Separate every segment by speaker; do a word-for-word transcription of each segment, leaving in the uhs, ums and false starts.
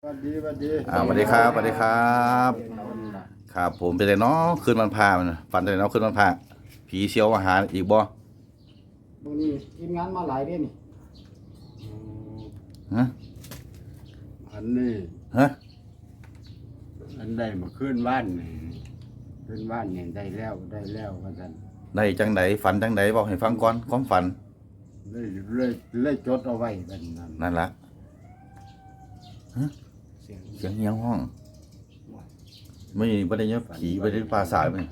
Speaker 1: สวัสดีสวัสดี
Speaker 2: อ่าสวัสดีครับสวัสดีครับครับผมเป็นไรเนาะคืนวันพามันฝันเป็นไรเนาะคืนวันพาผีเชียวมาหาอีกบ่
Speaker 3: มื้อนี้ทีมงานมาหลายเด้นี่
Speaker 2: ฮะ
Speaker 1: อันนี้
Speaker 2: ฮะ
Speaker 1: อันได้มาขึ้นบ้านนี่ขึ้นบ้านเนี่ยได้แล้วได้แล้วว่าท่าน
Speaker 2: ได้จังไดฝันจังไดบอกให้ฟังก่อนความฝัน
Speaker 1: เลยเลยเลยจดเอาไว้บัดนั้น
Speaker 2: นั่นละฮะ
Speaker 3: เสียง
Speaker 2: เสียงเงียงห้องไม่ไม่ได้เนี้ยผีไม่ได้ปลาสายไหม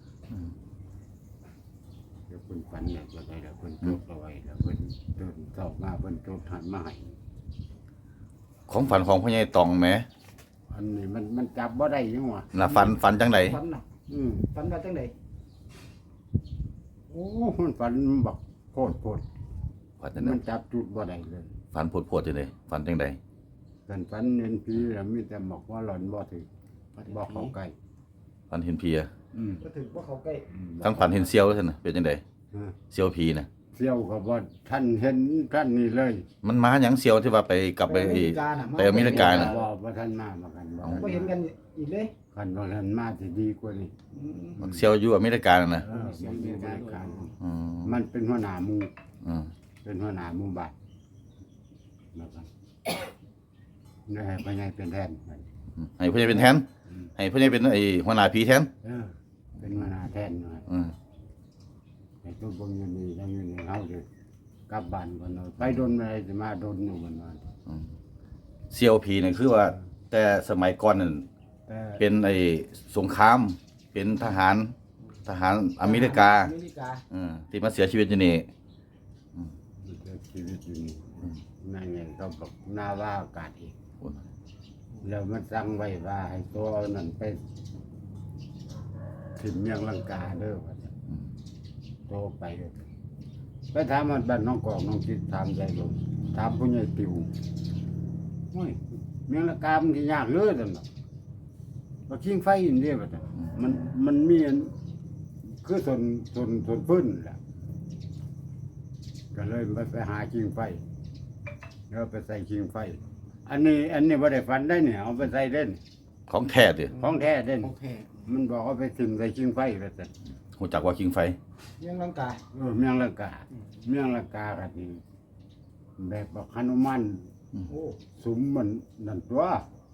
Speaker 1: เดี๋ยวเพิ่นฝันเนี่ยจะได้แล้วเพิ่นจดเอาไว้แล้วเพิ่นเดินสอบมาเพิ่นจดหันมาให้
Speaker 2: ของฝันของพ่อใหญ่ตองแหม
Speaker 1: อันนี้มันมันจับบ่ได้ยังวะ
Speaker 2: น่ะฝันฝันจังได
Speaker 3: ฝันน่ะ
Speaker 1: อืม
Speaker 3: ฝันว่าจังได๋
Speaker 1: โอ้มันฝันบักโพดโพด
Speaker 2: ฝันจังได
Speaker 1: มันจับจุดบ่ได้เลย
Speaker 2: ฝันโพดๆจังไดฝันจังได
Speaker 1: กันฝันเห็นผีแล้วมีแต่บอกว่าหลอนบ่ถึงบ่เข้าใกล้
Speaker 2: ฝันเห็นผีอะ
Speaker 1: อืม
Speaker 3: ก็ถึงบ่เข้าใกล้
Speaker 1: อืม
Speaker 2: ทั้งฝันเห็นเซียวแล้วท่านน่ะเป็นจังได
Speaker 1: ฮะ
Speaker 2: เซียวผีน่ะ
Speaker 1: เสี่ยวก็บ่ท่านเห็นท่านนี่เลย
Speaker 2: มันมาหยังเซียวที่ว่าไปกลับไป
Speaker 3: อเมริกาน่ะ
Speaker 2: ไปอเมริกาน่ะ
Speaker 1: บ่บ่ท่านมามากันบ่
Speaker 3: บ่เห็นกันอีกเลย
Speaker 1: กันบ่ท่านมาสิดีกว่านี้
Speaker 3: อืม
Speaker 2: เซียวอยู่อเมริกาน่ะนะ
Speaker 1: เออมันมีรายการ
Speaker 2: อืม
Speaker 1: มันเป็นหัวหน้าหมู่
Speaker 2: อืม
Speaker 1: เป็นหัวหน้าหมู่บ้านนะครับนี่ให้ไปไงเป็นแทน
Speaker 2: ให้พ่อใหญ่เป็นแทนให้พ่อใหญ่เป็นไอ้หัวหน้าผีแทน
Speaker 1: เออเป็นหัวหน้าแทนหน่อย
Speaker 2: อืม
Speaker 1: ไอ้ตัวเบิ่งอยู่นี่ยังอยู่ในเฮาเด้กลับบ้านก่อนเนาะไปโดนอะไรสิมาโดนอยู่มันว่า
Speaker 2: อืมเซียวผีนี่คือว่า แต่สมัยก่อนนั่น
Speaker 1: แต่
Speaker 2: เป็นไอ้สงคราม เป็นทหารทหารอเมริกา
Speaker 3: อเมริกา
Speaker 2: อืมที่มาเสียชีวิตอยู่นี่
Speaker 1: มันจะชีวิตอยู่นี่นั่นไงเขาบอกหน้าว่าอากาศอีก แล้วมันสั่งไว้ว่าให้ตัวเอานั่นไปถึงเมียงลังกาเด้อว่าซั่นโตไปเด้อไปถามมันบ้านน้องกอกน้องจิตถามใจลงถามผู้ใหญ่ติวโอ้ยเมียงลังกามันสิยากเลยซั่นน่ะบ่คิงไฟอินเดียว่าซั่นมันมันมีอันคือส่วนส่วนส่วนพื้นแหละก็เลยไปไปหาคิงไฟแล้วไปใส่คิงไฟ อันนี้อันนี้บ่ได้ฟันได้เนี่ยเอาไปใส่เล่น
Speaker 2: ของแท้ดิ
Speaker 1: ของแท้เด่น
Speaker 3: โอเค
Speaker 1: มันบอกเอาไปทิ่มใส่ชิงไฟไปแต่
Speaker 2: หูจักว่าคิงไฟ
Speaker 3: เรื่องร่างกาย
Speaker 1: เออเมียงลังกา เมียงลังกากันนี่แบบว่าฮนุมัน
Speaker 3: โอ้
Speaker 1: สุมมันนั่นตัว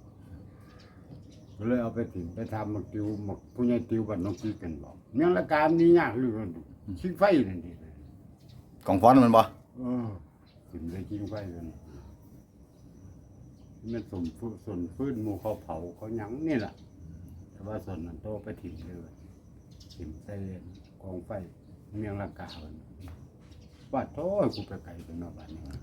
Speaker 1: ก็เลยเอาไปถิ่มไปทำหมักติวหมักผู้ใหญ่ติวบ้านน้องกีกันบอกเมียงลังกามันนี่ยากเหลือเกินชิงไฟนั่นดิ
Speaker 2: ของฟ้อนมันบ่
Speaker 1: เออถิ่มใส่ชิงไฟกันมันสมฟื้นส่วนฟื้นหมู่เขาเผาเขาหยังนี่แหละแต่ว่าส่วนนั้นโตไปถิ่มเลยถิ่มใส่กองไฟเมียงลังกามันว่าโถ่กูไปไกลเป็นนอกบ้านนี่วะ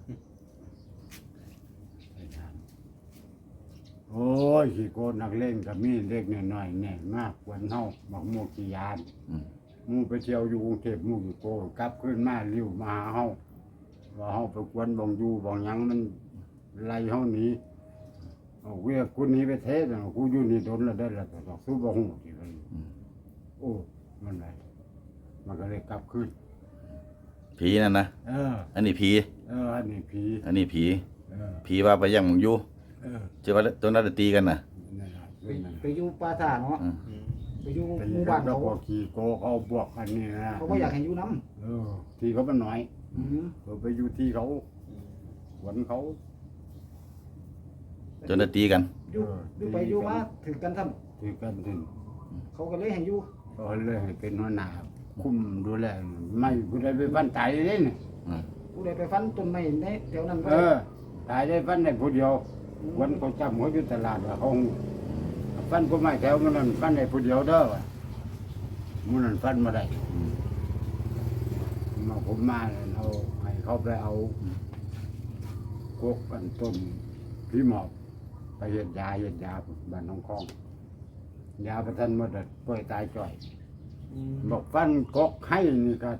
Speaker 1: ไปถามโอ้ยขี้โกนนักเล่นกับมีเล็กน้อยๆแน่มากกว่าเฮาบักโมกกี่ยาน
Speaker 2: อืม
Speaker 1: หมูไปเที่ยวอยู่กรุงเทพหมูอยู่โกกลับขึ้นมาเลี้ยวมาหาเฮาว่าเฮาไปกวนบ่งอยู่บ่งหยังมันไล่เฮาหนีเอาเวียกูหนีไปเทศกูอยู่นี่โดนแล้วได้แล้วแต่ดอกสู้บ่ฮู้ที่มันโอ้มันไรมันก็เลยกลับขึ้น
Speaker 2: ผีนั่นนะ
Speaker 1: เออ
Speaker 2: อันนี้ผี
Speaker 1: เอออันนี้ผี
Speaker 2: อันนี้ผี
Speaker 1: เออ
Speaker 2: ผีว่าไปยังมึงอยู่
Speaker 1: เออ
Speaker 2: เจ้าว่าตัวนั้นตีกันน่ะ
Speaker 1: นั่นล่ะ
Speaker 3: ไป
Speaker 1: นั่น
Speaker 3: ไปอยู่ป่าท่าเนาะ
Speaker 2: อืม
Speaker 3: ไปอยู่
Speaker 1: ไป
Speaker 3: หมู่
Speaker 1: บ้า
Speaker 3: บ้าน น
Speaker 1: เรา
Speaker 3: เขา
Speaker 1: ก็ขี่โกเขาบวกกันนี่นะ
Speaker 3: เขาบ่อยากให้อยู่นํ
Speaker 1: เออ ที่เขามันน้อย
Speaker 3: อืม
Speaker 1: เออไปอยู่ที่เขาหวนเขา
Speaker 2: จนได้ตีกัน
Speaker 3: อยู่อยู่ไปอยู่มาถึงกันซ้ํ
Speaker 1: ที่กันถึง
Speaker 3: เขาก็เลยให้อยู่
Speaker 1: ก็เลยให้เป็นหัวหน้าคุมดูแลไม่ผู้ใดไปฟันตายเลยเนี่ย
Speaker 2: อืม
Speaker 3: ผู้ใดไปฟันต้นไม้ในแถวนั้นบ่
Speaker 1: เอ
Speaker 3: ได้
Speaker 1: อตายได้ฟันได้ผู้เดียววันเขาจำเขาอยู่ตลาดว่าเขาฟันก็ไม่แถวมันนั่นฟันได้ผู้เดียวเด้อว่ะมันนั่นฟันมาได้มาผมมาแล้วเอาให้เขาไปเอากกอันต้นพี่หมอบไปเห็ดยาเห็ดยาบ้านน้องคลองยาประทันหมดเลยป่วยตายจ่อย
Speaker 3: อืม
Speaker 1: บอกฟันกกให้นี่ก็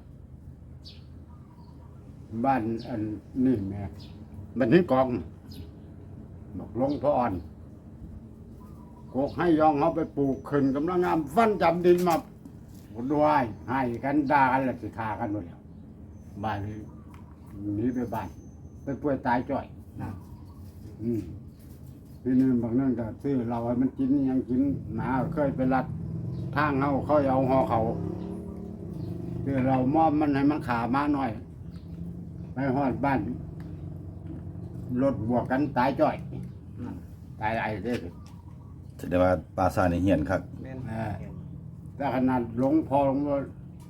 Speaker 1: บ้านอันนี่แม่บ้านนี้กองบอกหลวงพ่ออ่อนกกให้ยองเขาไปปลูกขึ้นกำลังงามฟันจำดินมาด้วยให้กันด่ากันแล้วสิฆ่ากันหมดแล้วบ้านนี้หนีไปบ้านไปป่วยตายจ่อย
Speaker 3: น่ะ
Speaker 1: อืมทีนี้บางนั่นก็ซื้อเราให้มันกินยังกินหมาเคยไปรัดทางเขาเขาเอาหอเขาคือเรามอบมันให้มันขามาหน่อยไปหอดบ้านรถบวกกันตายจ่อยตายไอ้เด้อ
Speaker 2: แสดงว่าปลาซานี่เหียนครับ
Speaker 3: แม่น
Speaker 1: เออแต่ขนาดหลงพอหลงว่า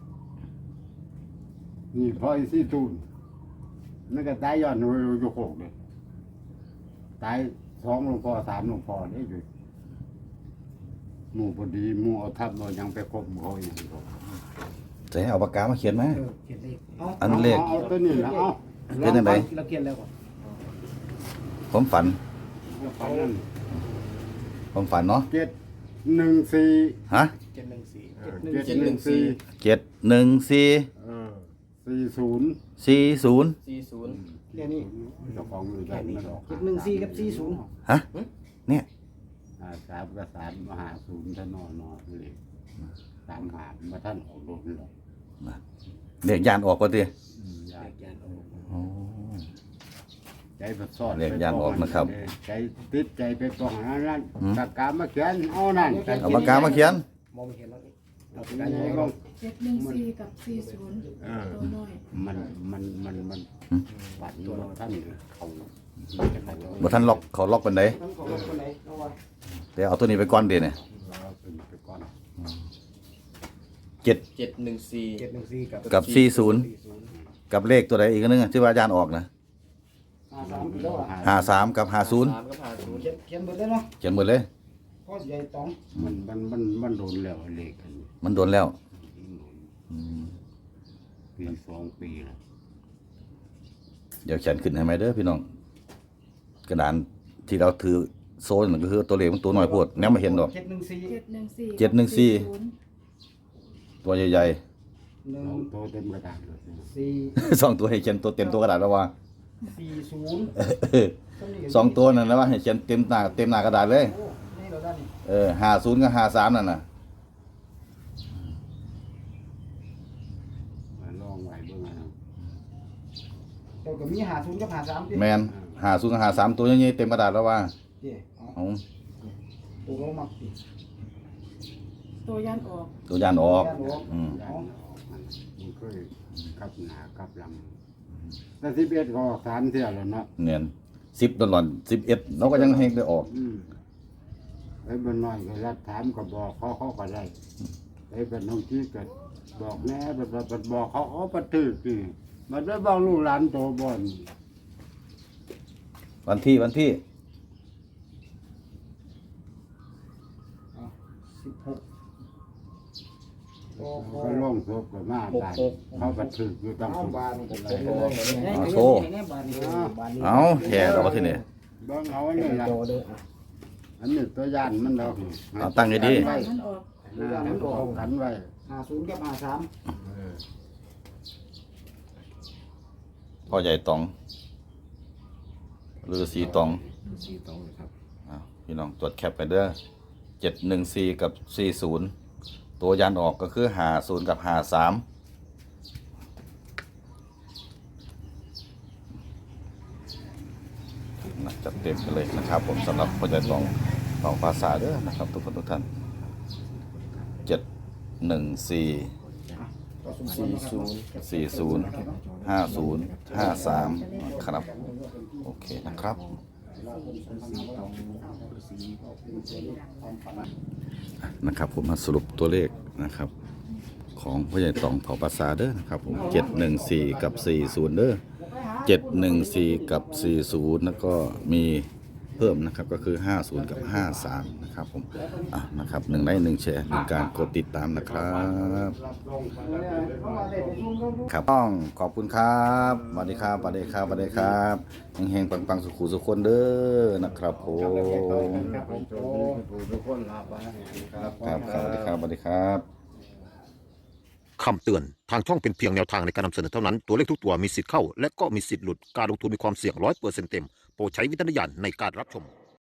Speaker 1: นี่พออีซี่ตูนนั่นก็ตายย้อนอยู่อยู่โคกเลยตายสองหลวงพ่อสามหลวงพ่อได้อยู่หมู่พอดีหมู่เอาทับเรายังไปคบเขาอย่างนี้
Speaker 2: จะให้เอาปากกามาเขียนไหม
Speaker 3: เออเขียนเลขเอา
Speaker 2: อันเลข
Speaker 1: เอาตัวนี้นะเอา
Speaker 2: เป็นยังไง
Speaker 3: เราเขียนแล้วก่อน
Speaker 2: ผมฝัน
Speaker 1: เอานั่น
Speaker 2: ผมฝันเนาะ
Speaker 1: เจ็ดหนึ่งสี่
Speaker 2: ฮะ
Speaker 3: เจ็ดหนึ่งสี่
Speaker 1: เออเจ็ดหนึ่งสี่
Speaker 2: เจ็ดหนึ่งสี่
Speaker 1: เออสี่ศูนย์
Speaker 2: สี่ศูนย์
Speaker 4: สี่ศูนย์
Speaker 3: เดี๋ยวนี้
Speaker 1: เจ้าของอยู่ได้ไม่หรอก
Speaker 3: เจ็ดหนึ่งสี่กับสี่ศูนย์
Speaker 2: ฮะเนี่ย
Speaker 1: อ่าสามกับสามมหาศูนย์ท่านนอนนอนเลยสามหามาท่านออกรถหรอก
Speaker 2: เรียกยานออกก็ตี
Speaker 1: อืมยาก
Speaker 2: อ๋อ
Speaker 1: ใจประสอด
Speaker 2: เรียกยานออกนะครับ
Speaker 1: ใจติดใจไปปองนั้นนั่น
Speaker 2: อืม
Speaker 1: ปากกามาเขียนเอานั่น
Speaker 2: เอาปากกามาเขียน
Speaker 3: มองไม่เห็นแล้วนี่
Speaker 1: เอาปากกาใหญ่ลง
Speaker 5: เจ็ดหนึ่งสี่กับสี่ศูนย์
Speaker 1: เออ
Speaker 5: ตัวน้อย
Speaker 1: มันมันมันมัน
Speaker 2: อืม
Speaker 1: ฝันว่าท่านเขา
Speaker 2: บ่ทันล็อกเขาล็อกเป็นได
Speaker 3: ทั้งของรถคนไหนเอาว่า
Speaker 2: เดี๋ยวเอาตัวนี้ไปก่อนเดี๋ยวเนี่ย
Speaker 1: เราเป็นไปก่อน
Speaker 2: เจ็ด
Speaker 4: เจ็ดหนึ่งสี่
Speaker 3: เจ็ดหนึ่งสี่กับ
Speaker 2: กับสี่ศูนย์
Speaker 3: สี่ศูนย์
Speaker 2: กับเลขตัวใดอีกอันนึงอะที่ว่ายานออกนะ
Speaker 3: ห้าสามแล้วอ่ะ
Speaker 2: ห้าสามกับห้าศูนย์
Speaker 4: สามก็ผ่านศูนย์
Speaker 3: เขียนเขียนเบิดเลยเนาะ
Speaker 2: เขียนหมดเลย
Speaker 3: พ่อใหญ่ตอง
Speaker 1: มันมันมันมันโดนแล้วเลขอันนี้
Speaker 2: มันโดนแล้วอืม
Speaker 1: ปีสองปีแล้ว
Speaker 2: เดี๋ยวเขียนขึ้นให้ไหมเด้อพี่น้อง กระดานที่เราถือโซนนนก็คือตัวเลขมันตัวน้อยโพดแนวมาเห็นดอก
Speaker 3: เจ็ดหนึ่งสี่
Speaker 5: เจ็ดหนึ่งสี่
Speaker 2: เจ็ดหนึ่งสี่
Speaker 5: ศูนย์
Speaker 2: ตัวใหญ่
Speaker 3: หนึ่ง
Speaker 1: สองโตเต็มกระดาษเลย
Speaker 3: สี่
Speaker 2: ๆ สองตัวให้เขียนตัวเต็มตัวกระดาษแล้วว่า
Speaker 3: สี่ศูนย์
Speaker 2: สองตัวนั่นนะว่าให้เขียนเต็มหน้าเต็มหน้ากระดาษเลย
Speaker 3: โอ้นี่เราได้นี่
Speaker 2: เออห้าศูนย์กับห้าสามนั่นน่ะ
Speaker 1: มาลองไว้เบื้องหน้า
Speaker 3: เราก็มีหาศูนย์กับหาสามดิ
Speaker 2: แมนห้าศูนย์กับห้าสามตัวใหญ่ๆเต็มกระดาษแล้วว่า
Speaker 3: เดี๋ยวเอา
Speaker 2: เอา
Speaker 3: ตัวเรามักดิ
Speaker 5: ตัวยันออก
Speaker 2: ตัวยานออกอืม
Speaker 1: ยันออกมันมันเคยกลับหนากลับหลังแต่สิบเอ็ดก็ออกสามเที่ยวแล้วเนาะ
Speaker 2: เนียนสิบตลอดสิบเอ็ดเราก็ยังให้ได้ออก
Speaker 1: อืมไอ้บ้านน้อยก็รับถามก็บอกเขาเขาก็ได้ไอ้บ้านน้องที่ก็บอกแน่แบบแบบบอกเขาเขาปฏิคือมันได้บอกลูกหลานโตบ่อน
Speaker 2: วันที่วันที่
Speaker 3: สิบหกโอ้โห
Speaker 1: ก็ล่องศพก็มาบ้านเขาปฏิอยู่ตั้ง
Speaker 3: เอา
Speaker 1: สุด
Speaker 3: บานนี่
Speaker 2: เอาโชว์
Speaker 3: บานนี่บานนี่
Speaker 2: เอาแค่เราที่นี่
Speaker 1: เบิ่งเอาอันนี้ล่ะ
Speaker 3: โตเด้อ
Speaker 1: อันนี้ตัวย่านมันดอก
Speaker 2: เอาตั้งให้ดี
Speaker 1: ไว้
Speaker 5: มันออก
Speaker 1: อ่ามันออกกันไว้
Speaker 3: หาศูนย์กับหาสาม
Speaker 1: เออ
Speaker 2: พ่อใหญ่ตองหรือสีตอง
Speaker 1: สีตองครับ
Speaker 2: อ้าวพี่น้องตรวจแคปกันเด้อเจ็ดหนึ่งสี่กับสี่ศูนย์ตัวยันออกก็คือหาศูนย์กับหาสามจัดเต็มกันเลยนะครับ ผมสำหรับพ่อใหญ่ตองตองภาษาเด้อนะครับ ทุกคนทุกท่านเจ็ดหนึ่งสี่
Speaker 4: สี่ศูนย์
Speaker 2: สี่ศูนย์ห้าศูนย์ห้าสามครับ โอเคนะครับ นะครับผมมาสรุปตัวเลขนะครับ ของพ่อใหญ่ตองเผ่าภาษาเด้อนะครับผมเจ็ดหนึ่งสี่กับสี่ศูนย์เด้อเจ็ดหนึ่งสี่กับสี่ศูนย์แล้วก็มีเพิ่มนะครับก็คือห้าศูนย์กับห้าสามนะครับผมอ่ะนะครับหนึ่งไลค์หนึ่งแชร์หนึ่งการกดติดตามนะครับครับต้องขอบคุณครับสวัสดีครับสวัสดีครับสวัสดีครับเฮงๆปังๆสุขุสุขคนเด้อนะครับผม
Speaker 1: ครับผมทุกคนลาไปครับ
Speaker 2: ครับสวัสดีครับสวัสดีครับ
Speaker 6: คำเตือน ทางช่องเป็นเพียงแนวทางในการนำเสนอเท่านั้น ตัวเลขทุกตัวมีสิทธิ์เข้า และก็มีสิทธิ์หลุด การลงทุนมีความเสี่ยงร้อยเปอร์เซ็นต์เต็ม โปรดใช้วิจารณญาณในการรับชม